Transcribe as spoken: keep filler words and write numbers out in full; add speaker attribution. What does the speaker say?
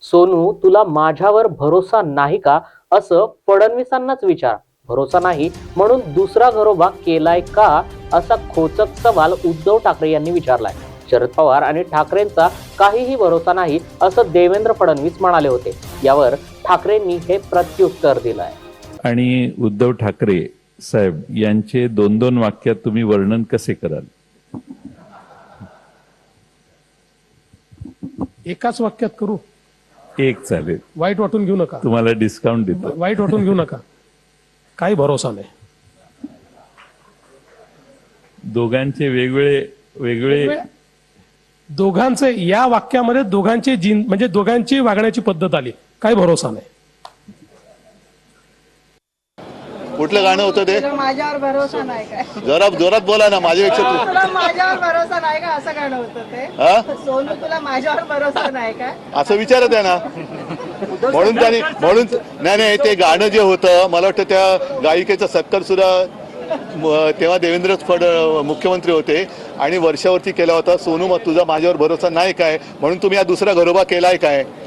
Speaker 1: सोनू, तुला माझ्यावर भरोसा नाही का, असं फडणवीसांनाच विचार. भरोसा नाही म्हणून दुसरा घरोबा केलाय का, असा खोचक सवाल उद्धव ठाकरे यांनी विचारलाय. शरद पवार आणि ठाकरेंचा काहीही भरोसा नाही असं देवेंद्र फडणवीस म्हणाले होते. यावर ठाकरेंनी हे प्रत्युत्तर दिलंय.
Speaker 2: आणि उद्धव ठाकरे साहेब यांचे दोन दोन वाक्यात तुम्ही वर्णन कसे कराल?
Speaker 3: एकाच वाक्यात करू?
Speaker 2: एक चालेल.
Speaker 3: वाईट वाटून घेऊ नका.
Speaker 2: तुम्हाला डिस्काउंट देतो.
Speaker 3: वाईट वाटून घेऊ नका. काही भरोसा नाही.
Speaker 2: दोघांचे वेगवेगळे वेगळे
Speaker 3: दोघांचे या वाक्यामध्ये दोघांचे जीन म्हणजे दोघांची वागण्याची पद्धत आली. काही भरोसा नाही.
Speaker 4: कुठलं गाणं होतं ते?
Speaker 5: तुला माझ्यावर भरोसा नाही काय?
Speaker 4: जरा जोरात बोला ना. माझ्यापेक्षा तू
Speaker 5: तुला माझ्यावर भरोसा नाही का, असं गाणं होतं ते.
Speaker 4: हा?
Speaker 5: सोनू, तुला माझ्यावर भरोसा नाही काय?
Speaker 4: असं विचारत आहे ना. म्हणून त्यांनी म्हणून नाही नाही ते गाणं जे होतं, मला वाटतं त्या गायिकेचा सत्कार सुद्धा म- तेव्हा देवेंद्र फड मुख्यमंत्री होते आणि वर्षावरती केला होता. सोनू, मग तुझा माझ्यावर भरोसा नाही काय म्हणून तुम्ही हा दुसरा घरोबा केलाय काय?